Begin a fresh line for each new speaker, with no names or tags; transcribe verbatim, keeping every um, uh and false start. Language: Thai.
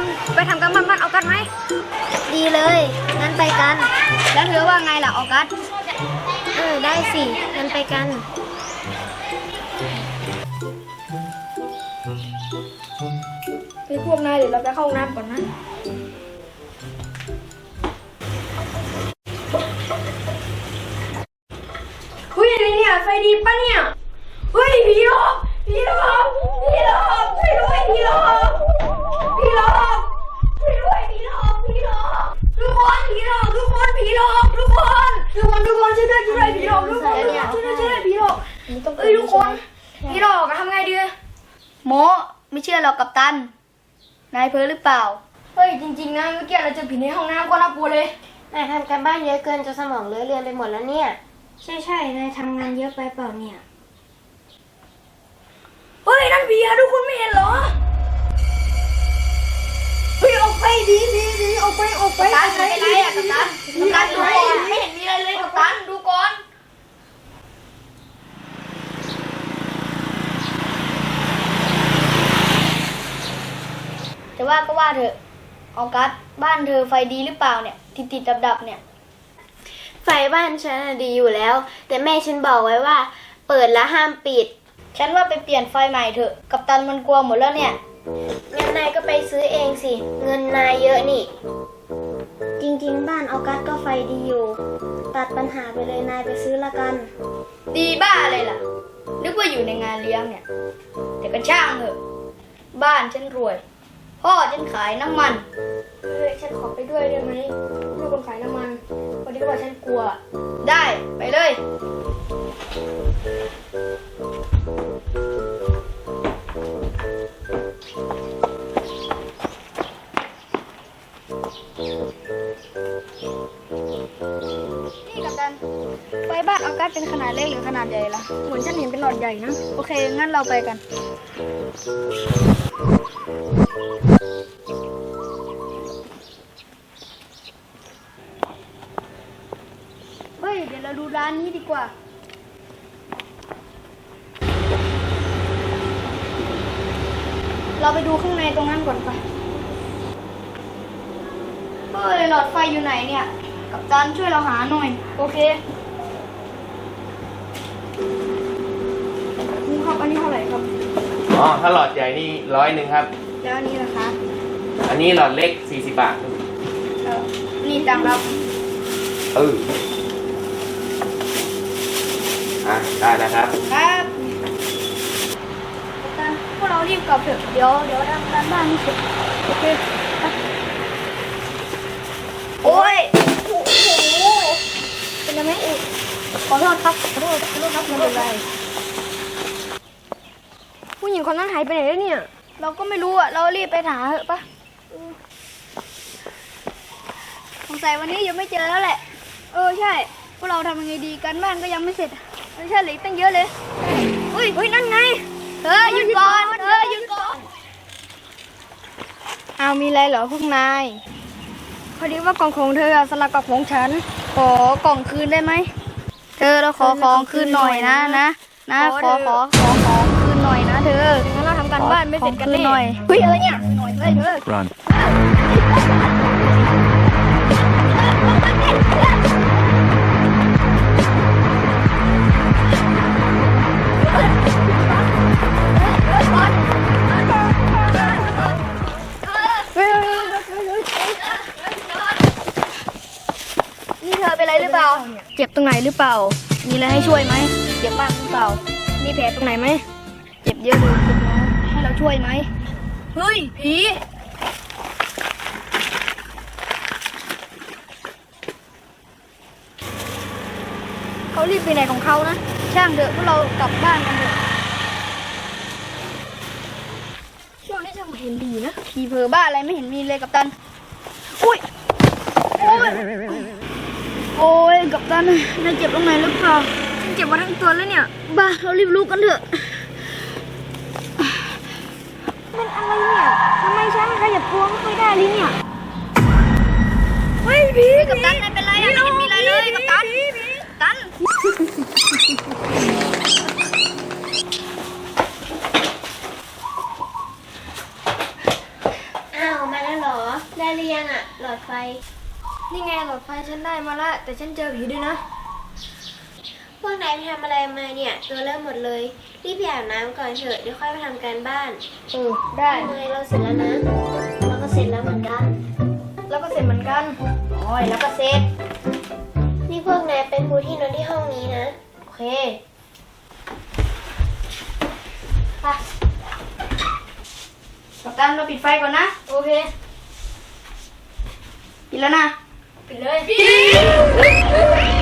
ไปทำกันบ้านบ้านออกัสไหมดีเลยงั้นไปกันแล้วเธอว่าไงล่ะออกัสเออได้สิงั้นไปกันไปพวกนายเดี๋ยวเราไปเข้าห้องน้ำก่อนนะเฮ้ยอะไรเนี่ยไฟดีปะเนี่ยเฮ้ยผีหลอกผีหลอกผีหลอกช่วยด้วยผีหลอกผีหลอกช่วยด้วยผีหลอกผีหลอกทุกคนผีหลอกทุกคนผีหลอกทุกคนทุกคนทุกคนช่วยด้วยช่วยด้วยผีหลอกทุกคนช่วยด้วยช่วยด้วยผีหลอกเอ้ยทุกคนผีหลอกทำไงดีโมไม่เชื่อหรอกกัปตันนายเพ้อหรือเปล่าเฮ้ยจริงๆนะเมื่อกี้เราเจอผีในห้องน้ำก็น่ากลัวเลย
นายทำการบ้านเยอะเกินจนสมองเลอะเลือนไปหมดแล้วเนี่ย
ใช่ใช่นายทำงานเยอะไปเปล่าเนี่ยเฮ้ยนั่นผีอะทุกคนไม่เห็นเหรอเฮ้ยออกไปดีดีดีออกไปออกไปกัปตันไม่เป็นไรอะกัปตันกัปตันดูก่อนไม่เห็นมีอะไรเลยกัปตันดูก่อนแต่ว่าก็ว่าเถอะออกัสบ้านเธอไฟดีหรือเปล่าเนี่ยติดติดดับดับเนี่ย
ไฟบ้านฉันดีอยู่แล้วแต่แม่ฉันบอกไว้ว่าเปิดแล้วห้ามปิด
ฉันว่าไปเปลี่ยนไฟใหม่เถอะกัปตันมันกลัวหมดแล้วเนี่ย
งั้นนายก็ไปซื้อเองสิเงินนายเยอะนี่
จริงๆบ้านออกัสก็ไฟดีอยู่ตัดปัญหาไปเลยนายไปซื้อละกันดีบ้าอะไรล่ะนึกว่าอยู่ในงานเลี้ยงเนี่ยแต่ก็ช่างเถอะบ้านฉันรวยพ่อฉันขายน้ำมันเฮ้ยฉันขอไปด้วยได้ไหมลูกคนขายน้ำมันพอดีว่าฉันกลัวได้ไปเลยนี่กัปตันไฟบ้านออกัสเป็นขนาดเล็กหรือขนาดใหญ่ล่ะเหมือนฉันเห็นเป็นหลอดใหญ่นะโอเคงั้นเราไปกันเฮ้ยเดี๋ยวเราดูร้านนี้ดีกว่าเราไปดูข้างในตรงนั้นก่อนไปเฮ้ยหลอดไฟอยู่ไหนเนี่ยกัปตันช่วยเราหาหน่อยโอเคนี่ครับอันนี้เท่าไหร่ครับ
อ๋อถ้าหลอดใหญ่นี่ร้อยหนึ่งครับ
แล้วอันนี้ล่ะคะ
อันนี้หลอดเล็กสี่สิบบาท
เออนี่ตังค์ครับ
เอออ่ะได้แล้วครับ
ครับกัปตันพวกเรารีบกลับเถอะเดี๋ยวเดี๋ยวทำการบ้านนี่เสร็จโอเคโอ้ยโอ้โหเป็นยังไงเอ๊ะขอโทษครับขอโทษขอโทษครับไม่เป็นไรผู้หญิงคนนั้นหายไปไหนแล้วเนี่ยเราก็ไม่รู้อ่ะเรารีบไปหาเถอะปะสงสัยวันนี้ยังไม่เจอแล้วแหละเออใช่พวกเราทำยังไงดีกันบ้านก็ยังไม่เสร็จไม่ใช่เหลือตั้งเยอะเลยอุ้ยอุ้ยนั่นไงเธอหยุดก่อนเธอหยุดก่อนเอามีอะไรเหรอพวกนายพอดีว่ากล่องของเธอสลับกับของฉันขอกล่องคืนได้ไหมเธอเราขอของคืนหน่อยนะนะนะขอขอขอของคืนหน่อยนะเธองั้นเราทำการบ้านไม่เสร็จกันแน่เฮ้ยอะไรเนี่ยหน่อยเฮ้ยเธอ Runนี่เธอเป็นอะไรหรือเปล่าเจ็บตรงไหนหรือเปล่ามีอะไรให้ช่วยไหมเจ็บบ้างหรือเปล่ามีแผลตรงไหนไหมเจ็บเยอะเลยคุณหมอให้เราช่วยไหมเฮ้ยผีเขารีบไปไหนของเขานะช่างเถอะพวกเรากลับบ้านกันเถอะช่วงนี้จะเห็นผีนะผีเผลอบ้าอะไรไม่เห็นมีเลยกัปตันอุ้ยโอ้ยโอ้ยกัปตันนายเจ็บตรงไหนหรือเปล่าฉันเจ็บมาทั้งตัวแล้วเนี่ยบ้าเรารีบลุกกันเถอะเป็นอะไรเนี่ยทำไมฉันขยับตัวไม่ค่อยได้เลยเนี่ยเฮ้ยผีกัปตันนายเป็นไรอ่ะไม่เห็นมีอะไรเลยกัปตันกัปตัน
อ้าวมาแล้วเหรอได้หรือยังอะหลอดไฟ
นี่ไงหลอดไฟฉันได้มาละแต่ฉันเจอผีด้วยนะ
พวกนายไปทำอะไรมาเนี่ยตัวเริ่มหมดเลย รีบไปอาบน้ำก่อนเถอะเดี๋ยวค่อยไปทำการบ้าน
เออได้
ทำไมเราเสร็จแล้วนะ เราก็เสร็จแล้วเหมือนกัน
แล้วก็เสร็จเหมือนกันโอ้ยแล้วก็เสร็จ
นี่พวกนายเป็นครูที่นอนที่ห้องนี้นะ
โอเคไปกัปตันเราปิดไฟก่อนนะ โอเค ปิดแล้วนะ ปิดเลย